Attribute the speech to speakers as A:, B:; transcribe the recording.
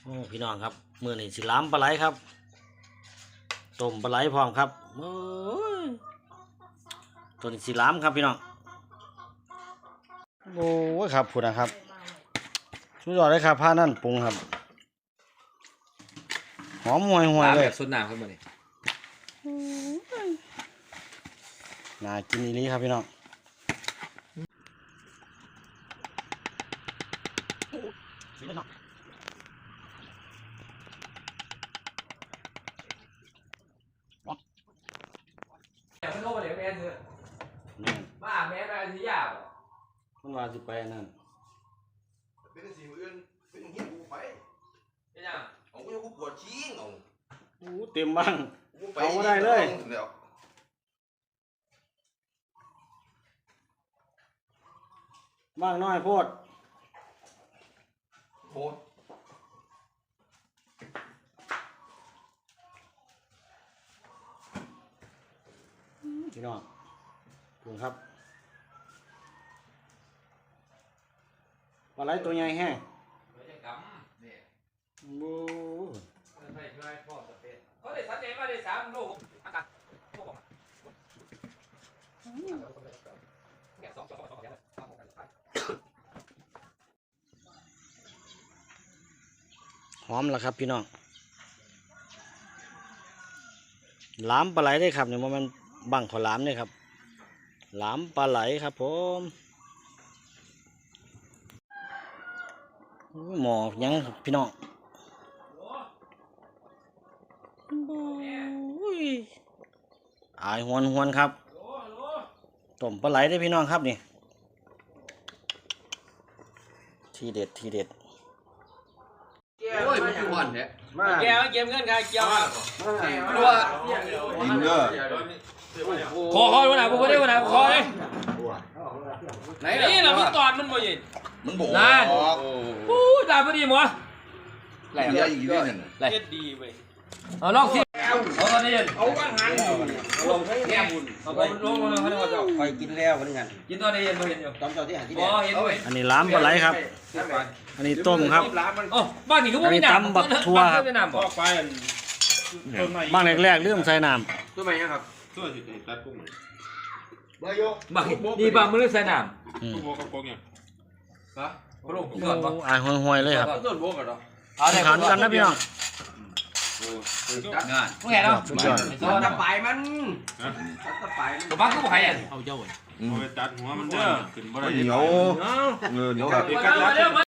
A: โอ้พี่น้องครับมื้อนี้สิล้ำปลาไหลครับต้มปลาไหลพร้อมครับโอ้ยตัวนี้สิล้ำครับพี่น้องโอ้ยครับพูดนะครับสุดยอดเลยครับผ้านั่นปรุงครับหอมห่วยๆเลย
B: สุดหนาวขึ้นมาเลย
A: น่ากินอีหลีครับพี่น้อง
B: ไม่รู้ว่าเดี๋ยวแม่ซื้อมาแม่ไปอันนี้ยาก
A: มันว่าสิไปอันนั่น
C: เป็นสิ่งอื่นเป็นอย่างนี้กูไป
B: เป็นยัง
C: เอากูปวดชี้เอา
A: โอ้เต็มบ้าง
C: กูไป
A: เอาบ่ได้เลย
C: เดี๋ยว
A: บ้างน้อยโพด
C: โคตร
A: พี่น้องปรุงครับปลาไหลตัวใหญ่แห้ง
B: ไม่ใช่กำเนี่ย
A: บู
B: ไม่ใช่พ่อจะเป็นเขาได้สัญญามาได้3 ลูกอากาศพวกผมแกะ2
A: หอมแล้วครับพี่น้องหลามปลาไหลได้ครับเนี่ยมันบังขอหลามเนี่ยครับหลามปลาไหลครับผมหมอยังพี่น้องอายหวนครับต้มปลาไหลได้พี่น้องครับนี่ทีเด็ด
B: โอ้ยมันคือวันเนี่ย
A: มา
B: แกเก็บเงินใครเกี่ยวรัว
C: ยิงเด้อ
B: คอวันไหนผมไม่ได้วันไหนคอเลยไหนนี่เราพี่ตอนมันบ่ยิน
C: มันบอก
B: นั่นอู้ตายพอดีมั้ง
C: ไหลเยอะอีกนิดหนึ่ง
B: ไรดีเว้ยเอาลองสิเอาตอนนี้เอาว่างหันลงแง่บุญเอาไปลงเขาเรียกว่าจะ
A: คอยกินแล้วเหมือนกัน
B: กินตอนนี้เห็นบ่เห็นอยู่
A: ตอนเจ้าที่หาที่
B: อ๋อเห็นด้วย
A: อันนี้ล้ามปลาไหลครับ อันนี้ต้มครับ
B: อ๋อบ้านนี่ก็ไม่มีน้ำ
A: อันนี้ตำบักทั่วครับ
B: ไม่น้ำบ่
A: บ้างแรกๆเริ่มใส่น้
B: ตัวใหม่ยังครับ
D: ตัวสิตัดกุ้ง
B: บักนี่บางมือใส่น้
A: ำอืม
D: โบกับโกงยัง
B: ำฮะพระลูกเกิดบ่
A: อายห่วยๆเลยครับ
B: ต้นโบกันเหรอ
A: ขันกันนะพี่น้อง
B: งานพวกแกเนาะ
A: สุดยอด
B: จะไปมันจะไปตัวบ้านก็บ่ใครอ่ะ
D: เอาไปตัดหัวมันเด้อขึ้นบ่ได้
C: เหนียวเหนียว
B: เดี๋ยว